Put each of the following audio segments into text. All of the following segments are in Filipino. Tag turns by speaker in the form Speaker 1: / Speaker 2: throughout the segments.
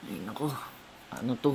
Speaker 1: Ay, nako. Ano to?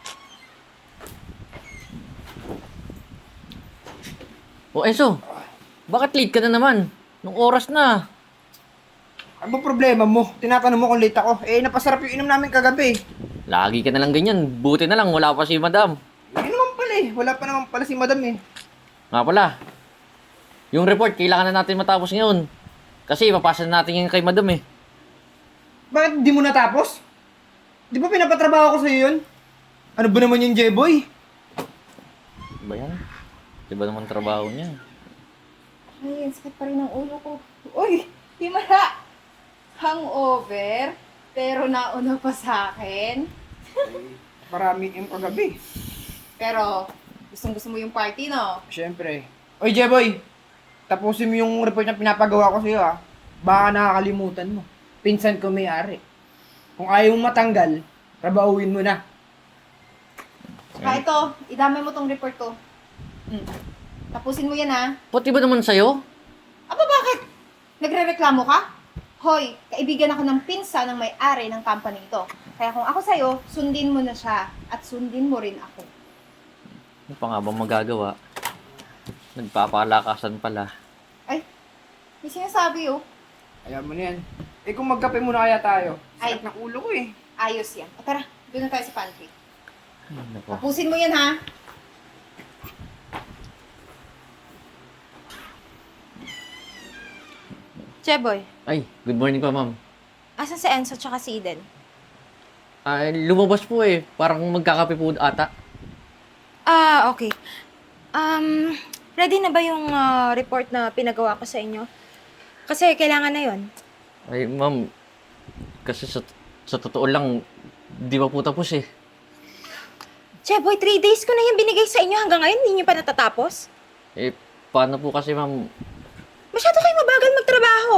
Speaker 1: O, Enzo. Bakit late ka na naman? Nung oras na.
Speaker 2: Ano ba problema mo? Tinatanong mo kung late ako. Eh, napasarap yung inom namin kagabi.
Speaker 1: Lagi ka na lang ganyan. Buti na lang, wala pa si madam.
Speaker 2: Yun naman pala eh. Wala pa naman pala si madam eh.
Speaker 1: Nga pala. Yung report, kailangan na natin matapos ngayon. Kasi ipapasa na natin yung kay madam eh.
Speaker 2: Bakit di mo natapos? Di ba pinapatrabaho ko sa'yo yun? Ano ba naman yung J-boy?
Speaker 1: Ba yan? Diba naman trabaho niya?
Speaker 3: Ay, ang sakit pa rin ng ulo ko. Uy, Himala! Hangover? Pero nauna pa sa akin?
Speaker 2: Marami yung kagabi.
Speaker 3: Pero, gustong-gusto mo yung party, no?
Speaker 2: Siyempre. Oy, J-boy! Tapusin mo yung report na pinapagawa ko sa'yo ah. Baka nakakalimutan mo. Pinsan ko may-ari. Kung ayaw mong matanggal, trabahuin mo na.
Speaker 3: Saka ito, idamay mo tong report ko. Tapusin mo yan, ha?
Speaker 1: Pati ba naman sa'yo?
Speaker 3: Aba, bakit? Nagre-reklamo ka? Hoy, kaibigan ako ng pinsa ng may-ari ng company ito. Kaya kung ako sa'yo, sundin mo na siya at sundin mo rin ako.
Speaker 1: Ano pa nga bang magagawa? Nagpapalakasan pala.
Speaker 3: Ay, may sinasabi, oh.
Speaker 2: Ayaw mo na yan. Eh kung magkape muna kaya tayo.
Speaker 3: Ay.
Speaker 2: Sakit ng ulo ko eh.
Speaker 3: Ayos yan. O tara, doon na tayo sa pantry.
Speaker 1: Ay, nako.
Speaker 3: Tapusin mo yan, ha?
Speaker 4: Cheboy,
Speaker 1: Ay, good morning pa, ma'am.
Speaker 4: asan si Enzo tsaka si Eden?
Speaker 1: Ay, lumabas po eh. Parang magkakape po ata.
Speaker 4: Ah, okay. Ready na ba yung report na pinagawa ko sa inyo? Kasi kailangan na yon.
Speaker 1: Ay, ma'am. Kasi sa totoo lang, di pa po tapos eh.
Speaker 4: Cheboy, 3 days ko na yung binigay sa inyo hanggang ngayon, hindi nyo pa natatapos?
Speaker 1: Eh, paano po kasi, ma'am?
Speaker 4: Masyado kayo mabagal magtrabaho.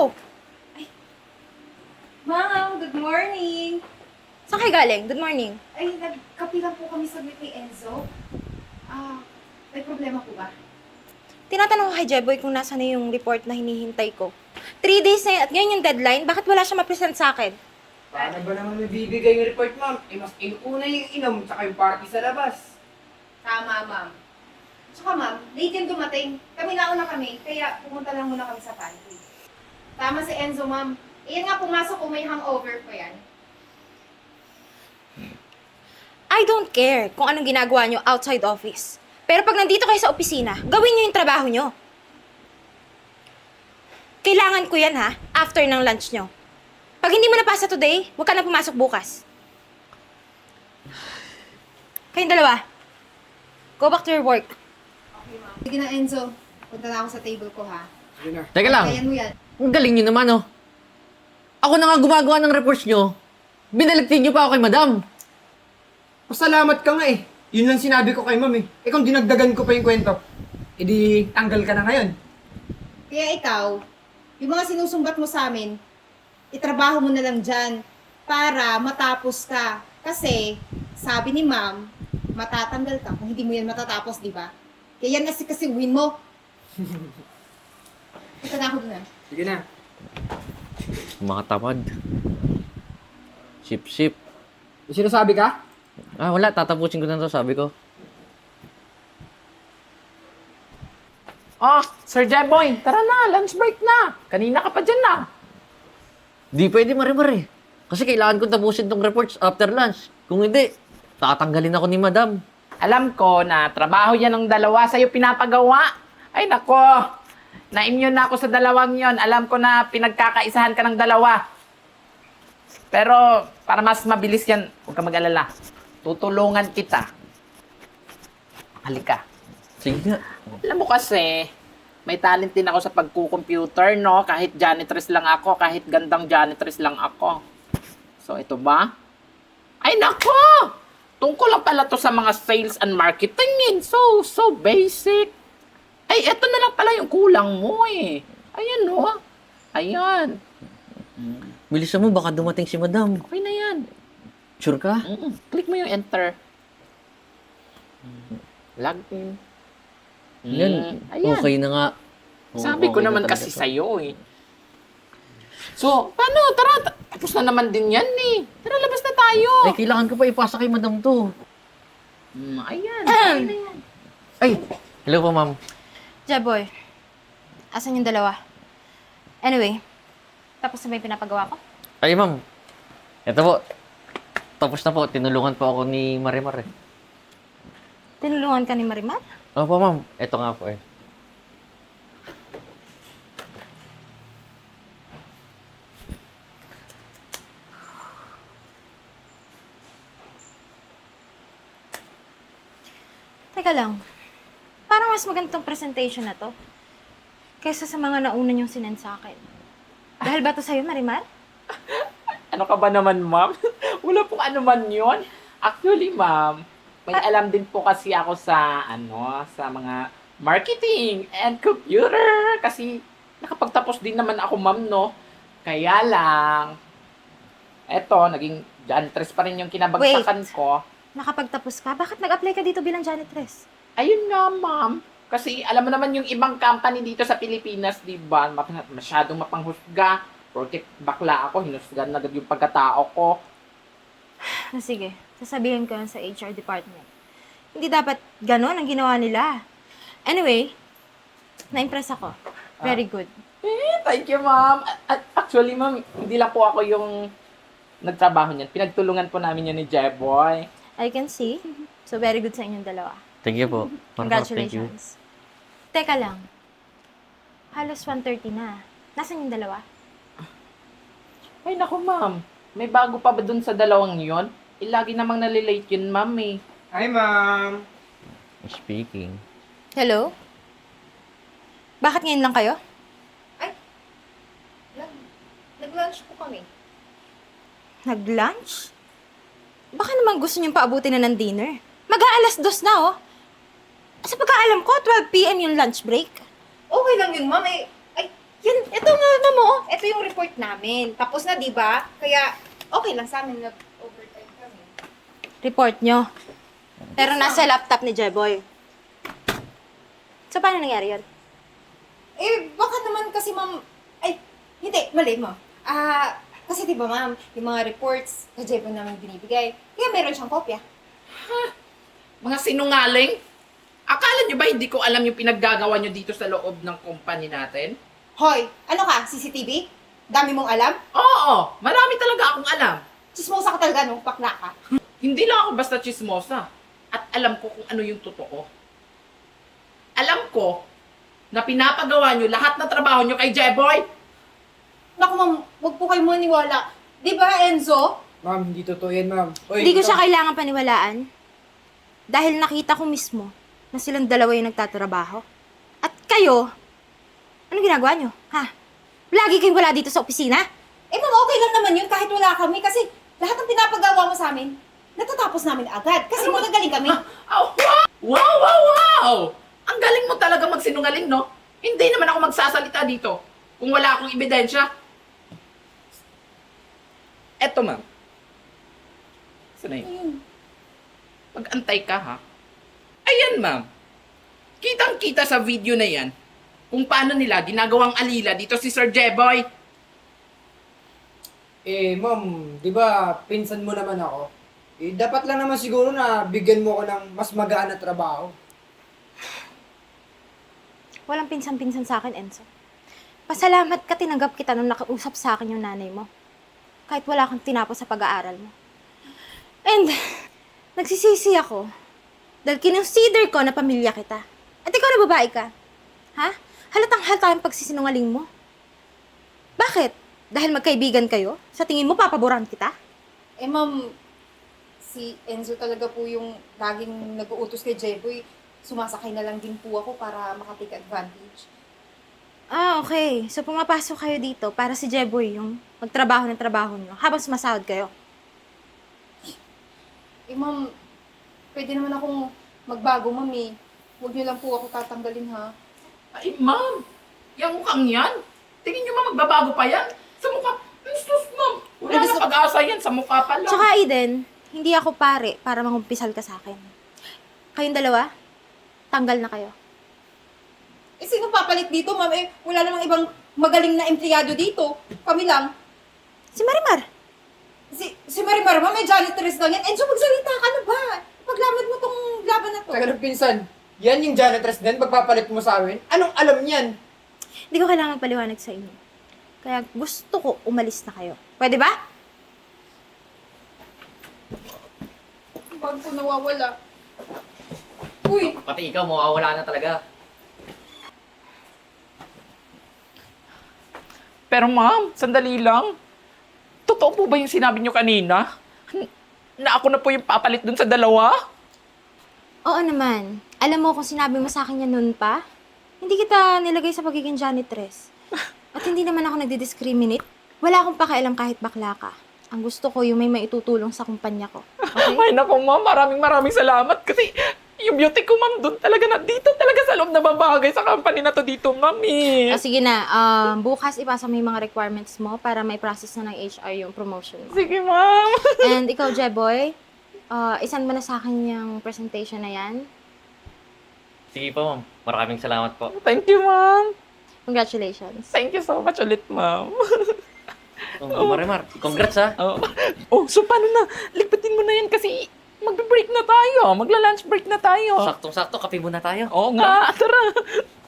Speaker 3: Ma'am, good morning!
Speaker 4: Saan kayo galing? Good morning.
Speaker 3: Ay, nagkapi lang po kami saglit ni Enzo. May problema po ba?
Speaker 4: Tinatanong ko kay Jeboy kung nasa na yung report na hinihintay ko. 3 days na yun at ngayon yung deadline, bakit wala siya ma-present sa akin?
Speaker 2: Paano ba naman mabibigay yung report, ma'am? Eh, mas inuna yung inom, tsaka yung party sa labas.
Speaker 3: Tama, ma'am. Tsaka ma'am, late yung dumating. Kami nauna kami, kaya pumunta lang muna kami sa pantry. Tama si Enzo, ma'am. Iyan nga, pumasok kung may hangover pa yan.
Speaker 4: I don't care kung anong ginagawa nyo outside office. Pero pag nandito kayo sa opisina, gawin nyo yung trabaho nyo. Kailangan ko yan ha, after ng lunch nyo. Pag hindi mo napasa today, huwag ka na pumasok bukas. Kayong dalawa, go back to your work.
Speaker 3: Okay, ma'am. Sige na, Enzo. Punta na ako sa table ko, ha?
Speaker 2: Sige na.
Speaker 1: Teka lang.
Speaker 3: Kayan mo yan.
Speaker 1: Ang galing nyo naman, oh. Ako na nga gumagawa ng reports nyo. Binaligtin nyo pa ako kay madam.
Speaker 2: Pasalamat ka nga eh. Yun lang sinabi ko kay ma'am eh. Eh kung dinagdagan ko pa yung kwento, edi tanggal ka na ngayon.
Speaker 3: Kaya ikaw, yung mga sinusumbat mo sa amin, itrabaho mo na lang dyan para matapos ka. Kasi, sabi ni ma'am, matatanggal ka kung hindi mo yan matatapos, di ba? Kaya yan kasi win mo. Ito na ako dun, ha?
Speaker 2: Sige na.
Speaker 1: Mga tamad. Sip-sip.
Speaker 2: May sinasabi ka?
Speaker 1: Ah, wala. Tatapusin ko na to, sabi ko.
Speaker 5: Oh, Sir Jeboy, tara na, lunch break na. Kanina ka pa dyan na.
Speaker 1: Di pwede, mare-mare. Kasi kailangan ko tapusin tong reports after lunch. Kung hindi, tatanggalin ako ni madam.
Speaker 5: Alam ko na trabaho yan ng dalawa sa'yo pinapagawa. Ay nako, na-immune na ako sa dalawang yon. Alam ko na pinagkakaisahan ka ng dalawa. Pero para mas mabilis yan, huwag ka mag-alala. Tutulungan kita. Halika.
Speaker 1: Sige nga.
Speaker 5: Alam mo kasi, may talent din ako sa pagkukomputer, no? Kahit janitress lang ako, kahit gandang janitress lang ako. So, ito ba? Ay, nako! Tungkol lang pala to sa mga sales and marketing. So basic. Ay, eto na lang pala yung kulang mo eh. Ayan, no? Ayan.
Speaker 1: Bilisan mo, baka dumating si madam.
Speaker 5: Okay na yan.
Speaker 1: Sure ka?
Speaker 5: Click mo yung enter. Log in.
Speaker 1: Yan.
Speaker 5: Ayan.
Speaker 1: Okay na nga. Oo,
Speaker 5: Sabi ko
Speaker 1: okay na
Speaker 5: naman
Speaker 1: talaga
Speaker 5: kasi
Speaker 1: to.
Speaker 5: sa'yo eh. So, paano? Tara, tapos na naman din yan eh. Tara, labas na tayo.
Speaker 1: Ay, kailangan ko pa ipasa kay madam to.
Speaker 5: Ayan, okay na yan.
Speaker 1: Ay, hello po, ma'am.
Speaker 4: Jeboy, asan yung dalawa? Anyway, tapos na ba yung pinapagawa ko?
Speaker 1: Ay, ma'am. Ito po. Tapos na po. Tinulungan po ako ni Marimar eh.
Speaker 4: Tinulungan ka ni Marimar?
Speaker 1: Opo, ma'am. Ito nga po eh.
Speaker 4: Teka lang, parang mas magandang presentation na to kaysa sa mga nauna niyong sinend sa akin. Dahil ba to sa'yo, Marimar?
Speaker 5: Ano ka ba naman, ma'am? Wala pong ano man yun. Actually, ma'am, may alam din po kasi ako sa, sa mga marketing and computer. Kasi nakapagtapos din naman ako, ma'am, no? Kaya lang, eto, naging janitress pa rin yung kinabagsakan ko.
Speaker 4: Nakapagtapos ka? Bakit nag-apply ka dito bilang janitress?
Speaker 5: Ayun nga, ma'am. Kasi alam mo naman yung ibang company dito sa Pilipinas, di ba? Masyadong mapanghusga. Porque bakla ako, hinusgan na agad yung pagkatao ko.
Speaker 4: Sige, sasabihin ko yan sa HR department. Hindi dapat ganon ang ginawa nila. Anyway, na-impress ako. Very good.
Speaker 5: Thank you, ma'am. At actually, ma'am, hindi lang po ako yung nagtrabaho niyan. Pinagtulungan po namin yan ni Jeboy.
Speaker 4: I can see. So, very good sa inyong dalawa.
Speaker 1: Thank you po. Marimar, thank you.
Speaker 4: Congratulations. Teka lang. Halos 1:30 na. Nasaan yung dalawa?
Speaker 5: Ay, naku, ma'am. May bago pa ba dun sa dalawang yon? Lagi namang nalilate yun, ma'am, eh.
Speaker 2: Hi, ma'am.
Speaker 1: Speaking.
Speaker 4: Hello? Bakit ngayon lang kayo?
Speaker 3: Nag-lunch po kami.
Speaker 4: Nag-lunch? Baka naman gusto niyong paabutin na ng dinner. Mag-aalas 2 na, oh. Sa pagkaalam ko, 12 p.m. yung lunch break.
Speaker 3: Okay lang yun, ma'am. Ito nga, ma'am, oh. Ito yung report namin. Tapos na, di ba? Kaya, okay lang sa amin. Nag-overtime kami.
Speaker 4: Report nyo. Pero nasa laptop ni Jeboy. So, paano nangyari yun?
Speaker 3: Baka naman kasi, ma'am... Hindi. Mali, ma'am. Kasi di ba, ma'am, yung mga reports na Jebo namin binibigay, kaya meron siyang kopya.
Speaker 5: Mga sinungaling? Akala nyo ba hindi ko alam yung pinaggagawa nyo dito sa loob ng company natin?
Speaker 3: Hoy, ano ka? CCTV? Dami mong alam?
Speaker 5: Oo, marami talaga akong alam.
Speaker 3: Chismosa ka talaga, no? Bakla ka.
Speaker 5: Hindi lang ako basta chismosa. At alam ko kung ano yung totoo. Alam ko na pinapagawa nyo lahat ng trabaho nyo kay Jeboy.
Speaker 3: Naku, ma'am, huwag po kayo maniwala. Di ba, Enzo?
Speaker 2: Ma'am, hindi totoo yan, ma'am. Oy,
Speaker 4: Hindi ko
Speaker 2: ikaw-
Speaker 4: siya kailangan paniwalaan. Dahil nakita ko mismo na silang dalawa yung nagtatrabaho. At kayo, ano ginagawa nyo? Ha? Lagi kayong wala dito sa opisina?
Speaker 3: Ma'am, okay lang naman yun kahit wala kami kasi lahat ng pinapagawa mo sa amin, natatapos namin agad kasi magagaling kami.
Speaker 5: Oh, wow! Wow, wow, wow! Ang galing mo talaga magsinungaling, no? Hindi naman ako magsasalita dito kung wala akong ebidensya. Eto, ma'am. Saan na yun? Mag-antay ka, ha? Ayan, ma'am. Kitang-kita sa video na yan kung paano nila ginagawang alila dito si Sir Jeboy.
Speaker 2: Ma'am, di ba, pinsan mo naman ako? Dapat lang naman siguro na bigyan mo ko ng mas magaan na trabaho.
Speaker 4: Walang pinsan-pinsan sa akin, Enzo. Pasalamat ka tinanggap kita nung nakausap sa akin yung nanay mo. Kahit wala kang tinapos sa pag-aaral mo. And, nagsisisi ako dahil kinonsider ko na pamilya kita. At ikaw na babae ka. Ha? Halatang halata yung pagsisinungaling mo. Bakit? Dahil magkaibigan kayo? Sa tingin mo, papaboran kita?
Speaker 3: Ma'am, si Enzo talaga po yung laging nag-uutos kay Jeboy. Sumasakay na lang din po ako para makatake advantage.
Speaker 4: Okay. So, pumapasok kayo dito para si Jeboy yung magtrabaho ng trabaho nyo habang sumasahod kayo.
Speaker 3: Ma'am, pwede naman akong magbago, ma'am eh. Huwag niyo lang po ako tatanggalin, ha?
Speaker 5: Ay, ma'am. Yung mukhang yan. Tingin nyo, ma'am, magbabago pa yan? Sa mukha. Sus, ma'am. Wala na pag-asa yan. Sa mukha pa lang.
Speaker 4: Tsaka, Eden, hindi ako pare para mangumpisal ka sa akin. Kayong dalawa, tanggal na kayo.
Speaker 3: Sino papalit dito, ma'am? Wala namang ibang magaling na empleyado dito. Kami lang.
Speaker 4: Si Marimar.
Speaker 3: Si Marimar, may janitress lang yan. Enzo, magsalita ka na ba? Paglaban mo tong laban na to.
Speaker 2: Teka lang, pinsan. Yan yung janitress din, pagpapalit mo sa amin? Anong alam niyan?
Speaker 4: Hindi ko kailangan paliwanag sa inyo. Kaya gusto ko umalis na kayo. Pwede ba?
Speaker 3: Bag ko nawawala. Uy!
Speaker 1: Pati ikaw, mawawala na talaga.
Speaker 5: Pero ma'am, sandali lang. Totoo po ba yung sinabi niyo kanina? Na ako na po yung papalit dun sa dalawa?
Speaker 4: Oo naman. Alam mo kung sinabi mo sa akin yan noon pa, hindi kita nilagay sa pagiging janitress. At hindi naman ako nagdi-discriminate. Wala akong pakialam kahit bakla ka. Ang gusto ko yung may maitutulong sa kumpanya ko. Okay?
Speaker 5: Ay naku ma'am, maraming salamat kasi yung beauty ko ma'am dun talaga na dito talaga sa loob na babagay sa company na to dito ma'am eh.
Speaker 4: O sige na, bukas ipasa mo yung mga requirements mo para may process na ng HR yung promotion mo.
Speaker 5: Sige ma'am.
Speaker 4: And ikaw, Jeboy, isan mo na sa akin yung presentation na yan.
Speaker 1: Sige po, ma'am. Maraming salamat po.
Speaker 5: Thank you ma'am.
Speaker 4: Congratulations.
Speaker 5: Thank you so much ulit ma'am.
Speaker 1: Marimar, congrats ha.
Speaker 5: Oh, so paano na? Ligpatin mo na yan kasi magbe-break na tayo. Magla-lunch break na tayo.
Speaker 1: Saktong-sakto, kape muna tayo.
Speaker 5: Oo nga, tara.